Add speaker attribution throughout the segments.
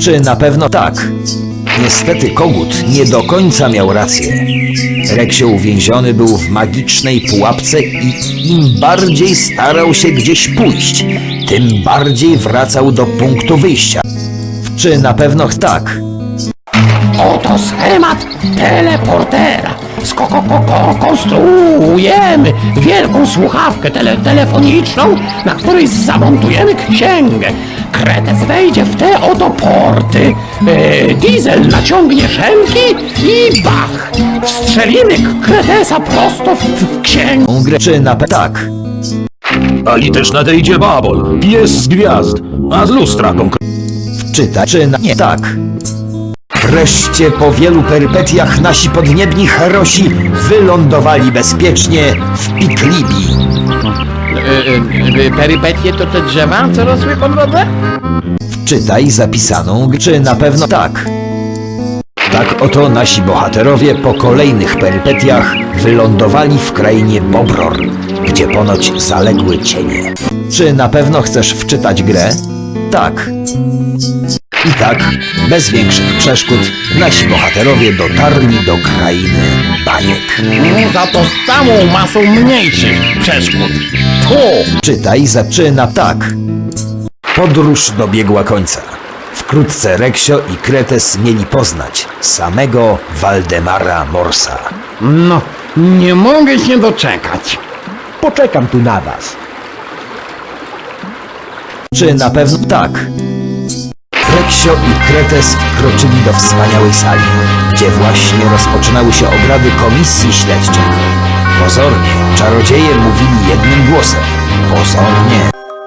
Speaker 1: Czy na pewno tak? Niestety kogut nie do końca miał rację. Reksio uwięziony był w magicznej pułapce i im bardziej starał się gdzieś pójść, tym bardziej wracał do punktu wyjścia. Czy na pewno tak?
Speaker 2: Oto schemat teleportera. Konstruujemy wielką słuchawkę telefoniczną, na której zamontujemy księgę. Kretes wejdzie w te oto porty. Diesel naciągnie szemki i bach! Wstrzelimy Kretesa prosto w księgę.
Speaker 1: Grę. Czy na pewno tak?
Speaker 3: Ali też nadejdzie Babol, pies z gwiazd, a z lustra
Speaker 1: Czytaj, czy na nie tak? Wreszcie po wielu perypetiach nasi podniebni herosi wylądowali bezpiecznie w Piklibii.
Speaker 2: Perypetie to te drzewa, co rosły po drodze?
Speaker 1: Czytaj zapisaną, czy na pewno tak? Tak oto nasi bohaterowie po kolejnych perypetiach wylądowali w krainie Bobror, gdzie ponoć zaległy cienie. Czy na pewno chcesz wczytać grę? Tak. I tak, bez większych przeszkód, nasi bohaterowie dotarli do krainy baniek.
Speaker 2: Za to z całą masą mniejszych przeszkód.
Speaker 1: Czytaj zaczyna tak. Podróż dobiegła końca. Wkrótce Reksio i Kretes mieli poznać samego Waldemara Morsa.
Speaker 2: No, nie mogę się doczekać.
Speaker 4: Poczekam tu na was.
Speaker 1: Czy na pewno tak? Reksio i Kretes wkroczyli do wspaniałej sali, gdzie właśnie rozpoczynały się obrady komisji śledczej. Pozornie, czarodzieje mówili jednym głosem. Pozornie.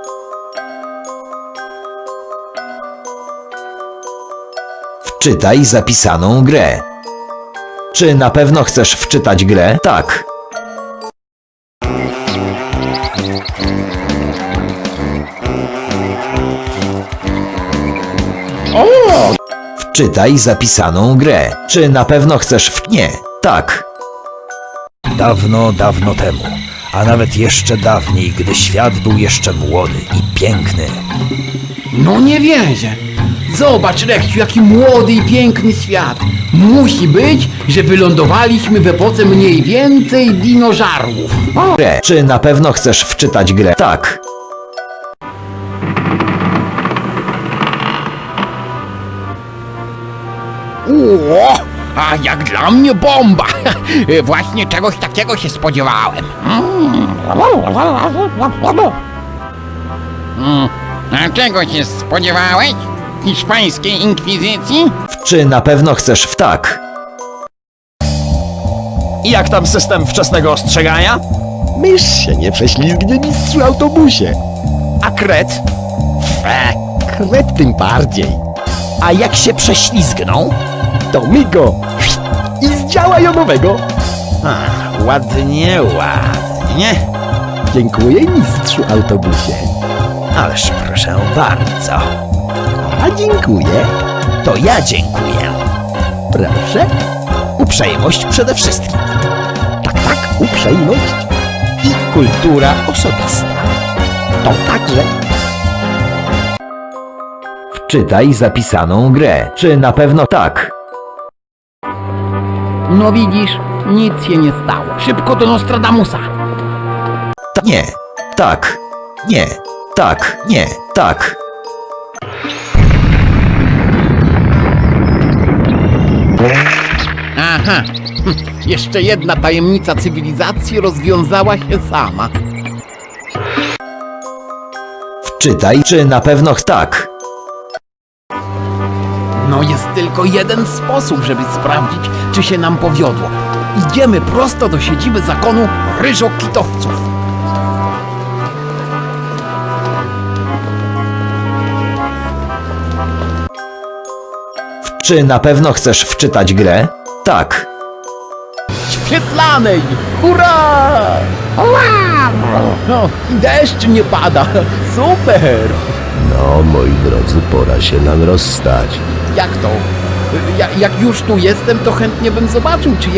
Speaker 1: Wczytaj zapisaną grę. Czy na pewno chcesz wczytać grę? Tak. Wczytaj zapisaną grę. Czy na pewno chcesz Nie. Tak. Dawno, dawno temu, a nawet jeszcze dawniej, gdy świat był jeszcze młody i piękny.
Speaker 2: No nie wierzę. Zobacz, Reksiu, jaki młody i piękny świat. Musi być, że wylądowaliśmy w epoce mniej więcej dinożarłów.
Speaker 1: Grę. Czy na pewno chcesz wczytać grę? Tak.
Speaker 2: O, a jak dla mnie bomba. Właśnie czegoś takiego się spodziewałem. A czego się spodziewałeś? Hiszpańskiej inkwizycji?
Speaker 1: Czy na pewno chcesz w tak?
Speaker 3: I jak tam system wczesnego ostrzegania?
Speaker 4: Mysz się nie prześlizgnie, mistrzu autobusie.
Speaker 3: A kret?
Speaker 4: Kret tym bardziej.
Speaker 3: A jak się prześlizgną?
Speaker 4: To my go i z działa jonowego.
Speaker 3: Ładnie, ładnie.
Speaker 4: Dziękuję, mistrzu autobusie.
Speaker 1: Ależ proszę bardzo.
Speaker 4: A dziękuję.
Speaker 1: To ja dziękuję.
Speaker 4: Proszę.
Speaker 1: Uprzejmość przede wszystkim.
Speaker 4: Tak, uprzejmość.
Speaker 1: I kultura osobista.
Speaker 4: To także.
Speaker 1: Wczytaj zapisaną grę. Czy na pewno tak?
Speaker 2: No widzisz, nic się nie stało. Szybko do Nostradamusa.
Speaker 1: Nie. Tak. Nie. Tak. Nie. Tak.
Speaker 2: Aha, jeszcze jedna tajemnica cywilizacji rozwiązała się sama.
Speaker 1: Wczytaj, czy na pewno tak.
Speaker 2: No jest tylko jeden sposób, żeby sprawdzić, czy się nam powiodło. Idziemy prosto do siedziby zakonu ryżokitowców.
Speaker 1: Czy na pewno chcesz wczytać grę? Tak.
Speaker 2: Świetlanej! Hurra! No, i deszcz nie pada. Super!
Speaker 4: No, moi drodzy, pora się nam rozstać.
Speaker 2: Jak to? Jak już tu jestem, to chętnie bym zobaczył, czy